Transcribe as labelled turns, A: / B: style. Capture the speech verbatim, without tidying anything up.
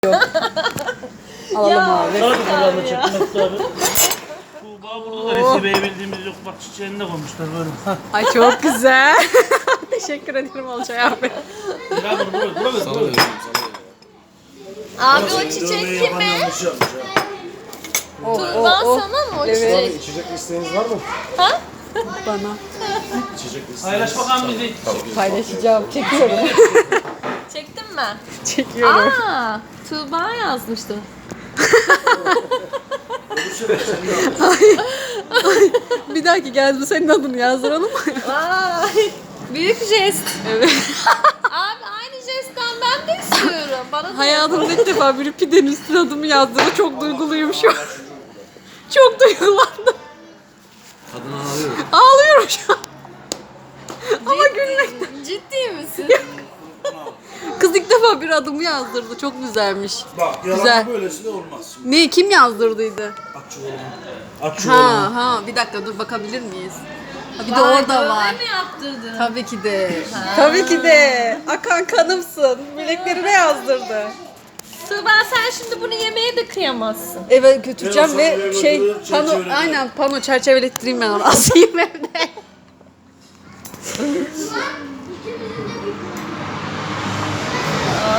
A: Alalım abi.
B: Hadi buradan çekmek abi. Tuğba burada da Resibe'yi bildiğimiz yok. Bak çiçeğini de koymuşlar böyle. Hah.
A: Ay çok güzel. Teşekkür ederim Olcay abi.
B: Ya dur buraya, buraya,
C: Sana
B: buraya.
C: veriyorum, sana veriyorum.
D: Abi o çiçek kime?
A: O,
D: Turban sana mı o
A: Evet.
D: çiçek?
E: İçecek isteğiniz var mı?
D: Ha?
A: Bana.
E: İçecek isteğiniz.
B: Paylaş bakalım bizi.
A: Paylaşacağım. Çekiyorum.
D: Çektin mi?
A: Çekiyorum.
D: Aa, Tuğba yazmıştı.
A: Bir dahaki geldi senin adını yazdıralım.
D: Vay, büyük jest.
A: Evet.
D: Abi aynı jestten ben de istiyorum. Bana da
A: Hayatımda ilk defa biri pidenin üstüne adımı yazdırdı. Çok duyguluyum şu an. Çok duygulandım.
C: Kadın ağlıyor.
A: Ağlıyorum şu an. Ama gülmek.
D: Ciddi misin?
A: Kız ilk defa bir adımı yazdırdı. Çok güzelmiş.
E: Bak yalan
A: Güzel.
E: böylesi de olmaz.
A: Ne kim yazdırdıydı?
E: Aç şu oğlum. Aç şu oğlum.
A: Ha ha bir dakika dur bakabilir miyiz? Ha, bir de
D: Vay,
A: orada
D: dövme
A: var.
D: mi yaptırdın?
A: Tabii ki de. Tabii ki de. Akan kanımsın. Bileklerine yazdırdı.
D: Tuğba sen şimdi bunu yemeye de kıyamazsın.
A: Eve götüreceğim
E: Ben
A: ve
E: olsam
A: şey
E: eve
A: pano
E: çerçevelettireyim.
A: aynen pano çerçevelettireyim ben onu asayım evde.